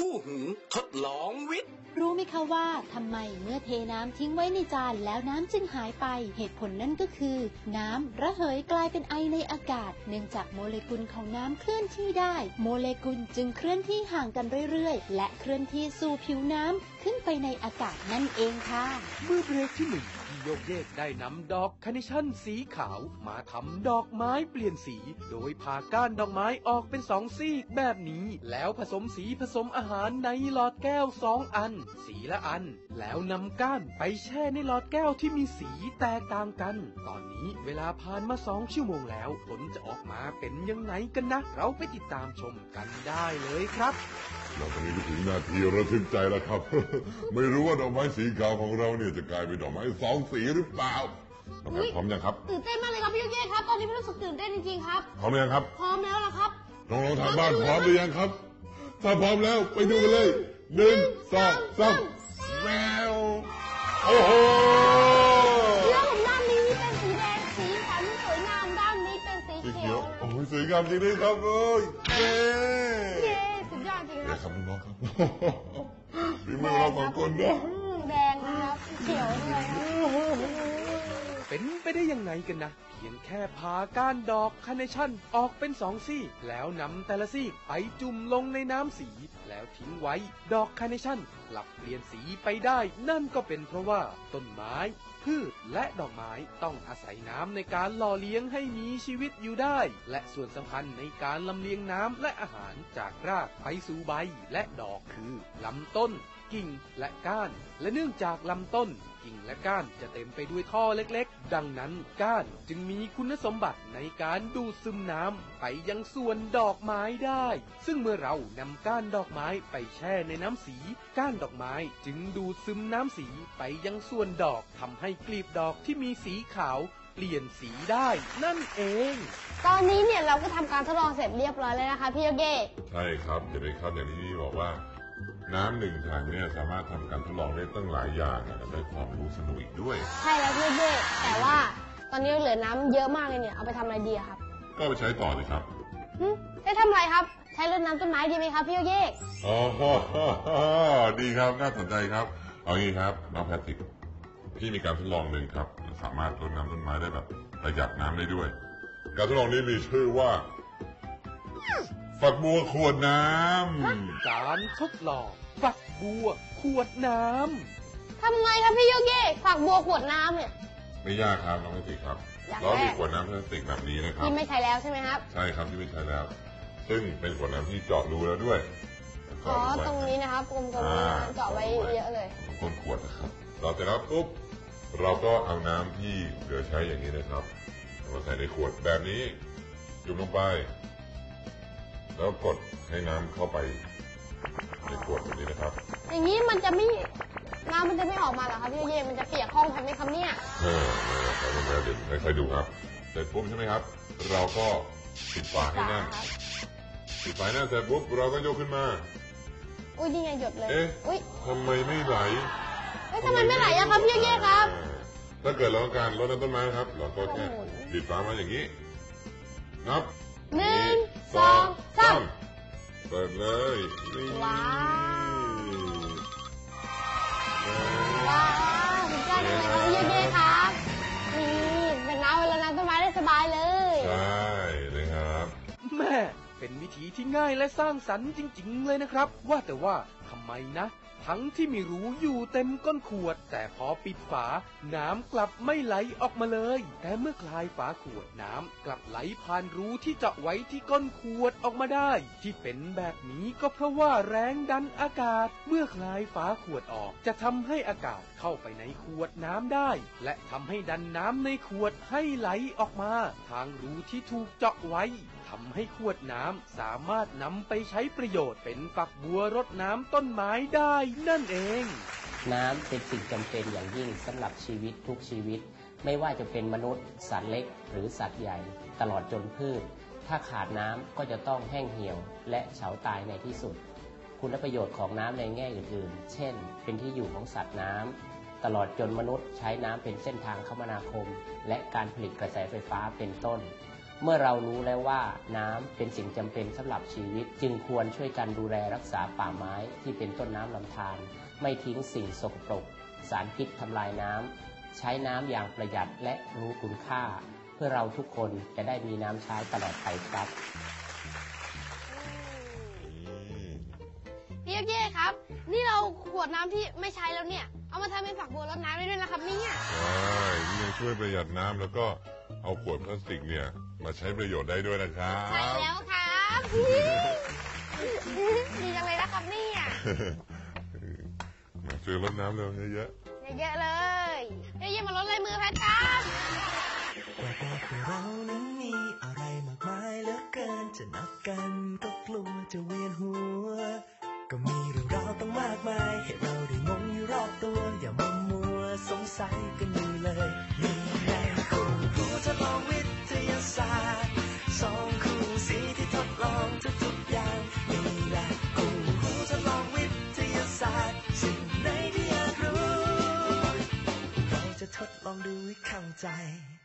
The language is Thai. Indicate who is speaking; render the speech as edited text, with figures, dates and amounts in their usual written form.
Speaker 1: คู่หูทดลองวิทย์
Speaker 2: รู้ไหมคะว่าทำไมเมื่อเทน้ำทิ้งไว้ในจานแล้วน้ำจึงหายไปเหตุผลนั่นก็คือน้ำระเหยกลายเป็นไอในอากาศเนื่องจากโมเลกุลของน้ำเคลื่อนที่ได้โมเลกุลจึงเคลื่อนที่ห่างกันเรื่อยๆและเคลื่อนที่สู่ผิวน้ำขึ้นไปในอากาศนั่นเองค่ะ
Speaker 1: เมื่อเบรกที่หนึ่งโยกเยกได้นำดอกคาร์เนชั่นสีขาวมาทำดอกไม้เปลี่ยนสีโดยผ่าก้านดอกไม้ออกเป็น2ซีกแบบนี้แล้วผสมสีผสมอาหารในหลอดแก้ว2อันสีละอันแล้วนำก้านไปแช่ในหลอดแก้วที่มีสีแตกต่างกันตอนนี้เวลาผ่านมา2 ชั่วโมงแล้วผลจะออกมาเป็นยังไงกันนะเราไปติดตามชมกันได้เลยครับ
Speaker 3: เราตอนนี้ก็ถึงนาทีระทึกใจแล้วครับ ไม่รู้ว่าดอกไม้สีขาวของเราเนี่ยจะกลายเป็นดอกไม้2 สีหรือเปล่าน้องแพทพร้อมยังครับ
Speaker 4: ตื่นเต้นมากเลยครับพี่โยเย่ครับตอนนี้พี่รู้สึกตื่นเต้นจริงๆครับ
Speaker 3: พร้อมหรือยังครับ
Speaker 4: พร้อมแล้วล่ะครับ
Speaker 3: น้องๆทางบ้านพร้อมหรือยังครับถ้าพร้อมแล้วไปดูกันเลย1 2 3แมวโอ้โห
Speaker 4: แล้วด้านนี้เป็นสีแดงสีสันสวยงามด้านนี้เป็นสีเขียว
Speaker 3: โอ้ยสวยงามจริงเลยครับเอ้ย
Speaker 4: เย้สุดยอดจริง
Speaker 3: ครับน้องครับพี่มือเรา2 คนนะ
Speaker 4: แดงนะครับเขียวด้วย
Speaker 1: เป็นไปได้ยังไงกันนะเพียงแค่ผ่าก้านดอกคาร์เนชั่นออกเป็น2 ซี่แล้วนำแต่ละซี่ไปจุ่มลงในน้ำสีแล้วทิ้งไว้ดอกคาร์เนชั่นกลับเปลี่ยนสีไปได้นั่นก็เป็นเพราะว่าต้นไม้พืชและดอกไม้ต้องอาศัยน้ำในการหล่อเลี้ยงให้มีชีวิตอยู่ได้และส่วนสำคัญในการลำเลียงน้ำและอาหารจากรากไปสู่ใบและดอกคือลำต้นกิ่งและก้านและเนื่องจากลำต้นกิ่งและก้านจะเต็มไปด้วยท่อเล็กๆดังนั้นก้านจึงมีคุณสมบัติในการดูดซึมน้ำไปยังส่วนดอกไม้ได้ซึ่งเมื่อเรานำก้านดอกไม้ไปแช่ในน้ำสีก้านดอกไม้จึงดูดซึมน้ำสีไปยังส่วนดอกทำให้กลีบดอกที่มีสีขาวเปลี่ยนสีได้นั่นเอง
Speaker 4: ตอนนี้เนี่ยเราก็ทำการทดลองเสร็จเรียบร้อยแล้วนะคะพี่โยเย่
Speaker 3: ใช่ครับเห็นไหมครับอย่างที่พี่บอกว่าน้ำ1 ถังเนี่ยสามารถทำการทดลองได้ตั้งหลายอย่างและได้ความรู้สนุกอีกด้วย
Speaker 4: ใช่แล้วพี่โยเย่แต่ว่าตอนนี้เหลือน้ำเยอะมากเลยเนี่ยเอาไปทำอะไรดีครับ
Speaker 3: ก็ไปใช้ต่อเลยครับ
Speaker 4: ได้ทำอะไรครับใช้รดน้ำต้นไม้ดีไหมครับพี่โยเย่
Speaker 3: อ๋อดีครับน่าสนใจครับเอางี้ครับน้องแพทริกพี่มีการทดลองหนึ่งครับสามารถรดน้ำต้นไม้ได้แบบประหยัดน้ำได้ด้วยการทดลองนี้มีชื่อว่าฝักบัวขวดน้
Speaker 1: ำการทดลองฝักบัวขวดน้
Speaker 4: ำทำไงครับพี่โยเย่ฝักบัวขวดน้ำเนี่ย
Speaker 3: ไม่ยากครับน้องแพทริกครับเรามีขวดน้ำพลาสติกแบบนี้นะครับ
Speaker 4: ที่ไม่ใช้แล้วใช่ไหมครับ
Speaker 3: ใช่ครับที่ไม่ใช้แล้วซึ่งเป็นขวดน้ำที่เจาะรูแล้วด้วย
Speaker 4: อ๋อตรงนี้นะครับกลมๆเจาะไว้เยอะเลย
Speaker 3: ต้นขวดนะครับเราเสร็จแล้วปุ๊บเราก็เอาน้ำที่เหลือใช้อย่างนี้นะครับมาใส่ในขวดแบบนี้จุ่มลงไปแล้วกดให้น้ำเข้าไปในขวดแบบนี้นะครับ
Speaker 4: อย่างนี้มันจะไม่น้ำมันจะไม่ออกมาเหรอครับพี่โยเย่มันจะเปียกห้องทันไหมครับเนี่ย
Speaker 3: เดี๋ยวให้ใครดูครับเสร็จปุ๊บใช่ไหมครับเราก็ปิดฝาให้แน่นปิดฝาแน่นเสร็จปุ๊บเราก็ยกขึ้นมา
Speaker 4: อุ้ยนี่ไงหยดเลย
Speaker 3: อุ้ยทำไมไม่ไหล
Speaker 4: ทำไมไม่ไหลอะครับพี่โยเย่ครับ
Speaker 3: ถ้าเกิดเราต้องการรดน้ำต้นไม้ครับเราก็แค่ปิดฝามาอย่างนี้นับ
Speaker 4: 1 2 3
Speaker 3: เปิดเลย
Speaker 4: ว้าวสุดยอดเลยครับพี่โยเย่ครับนี่เป็นน้ำแล้วน้ำต้นไม้ได้สบายเลย
Speaker 3: ใช่เลยครับ
Speaker 1: แม่เป็นวิธีที่ง่ายและสร้างสรรค์จริงๆเลยนะครับว่าแต่ว่าทำไมนะทั้งที่มีรูอยู่เต็มก้นขวดแต่พอปิดฝาน้ำกลับไม่ไหลออกมาเลยแต่เมื่อคลายฝาขวดน้ำกลับไหลผ่านรูที่เจาะไว้ที่ก้นขวดออกมาได้ที่เป็นแบบนี้ก็เพราะว่าแรงดันอากาศเมื่อคลายฝาขวดออกจะทำให้อากาศเข้าไปในขวดน้ำได้และทำให้ดันน้ำในขวดให้ไหลออกมาทางรูที่ถูกเจาะไว้ทำให้ขวดน้ำสามารถนำไปใช้ประโยชน์เป็นฝักบัวรดน้ำต้นไม้ได้นั่นเอง
Speaker 5: น้ำเป็นสิ่งจำเป็นอย่างยิ่งสำหรับชีวิตทุกชีวิตไม่ว่าจะเป็นมนุษย์สัตว์เล็กหรือสัตว์ใหญ่ตลอดจนพืชถ้าขาดน้ำก็จะต้องแห้งเหี่ยวและเฉาตายในที่สุดคุณประโยชน์ของน้ำในแง่อื่นๆเช่นเป็นที่อยู่ของสัตว์น้ำตลอดจนมนุษย์ใช้น้ำเป็นเส้นทางคมนาคมและการผลิตกระแสไฟฟ้าเป็นต้นเมื่อเรารู้แล้วว่าน้ำเป็นสิ่งจำเป็นสำหรับชีวิตจึงควรช่วยกันดูแลรักษาป่าไม้ที่เป็นต้นน้ำลำธารไม่ทิ้งสิ่งสกปรกสารพิษทำลายน้ำใช้น้ำอย่างประหยัดและรู้คุณค่าเพื่อเราทุกคนจะได้มีน้ำใช้ตลอดไปครับ
Speaker 4: พี่เย่ครับ นี่เราขวดน้ำที่ไม่ใช้แล้วเนี่ยเอามาทำเป็นฝักบัวรดน้ำได้ด้วยนะครับเนี่ย
Speaker 3: ใช่นี่ยังช่วยประหยัดน้ำแล้วก็เอาขวดพลาสติกเนี่ยมาใช้ประโยชน์ได้ด้วยนะครับ
Speaker 4: ใช่แล้วครับดีจังเลยนะครับเนี่ย
Speaker 3: มาช่วยรดน้ำเร็วเยอะ
Speaker 4: เยอะๆเลยเย่ๆมาลดลายมือแพทครับ
Speaker 6: ว่าแต่พวกเรานั้นมีอะไรมากมายเหลือเกินจะนับกันก็กลัวจะเวียนหัวก็มีเรื่องราวตั้งมากมายให้เราได้งงอยู่รอบตัวอย่ามัวสงสัยกันอยู่เลยนี่ไงคู่หูทดลองวิทยาศาสตร์สองคู่สีที่ทดลองทุกๆอย่างนี่แหละคู่หูทดลองวิทยาศาสตร์สิ่งไหนที่อยากรู้เราจะทดลองดูให้เข้าใจ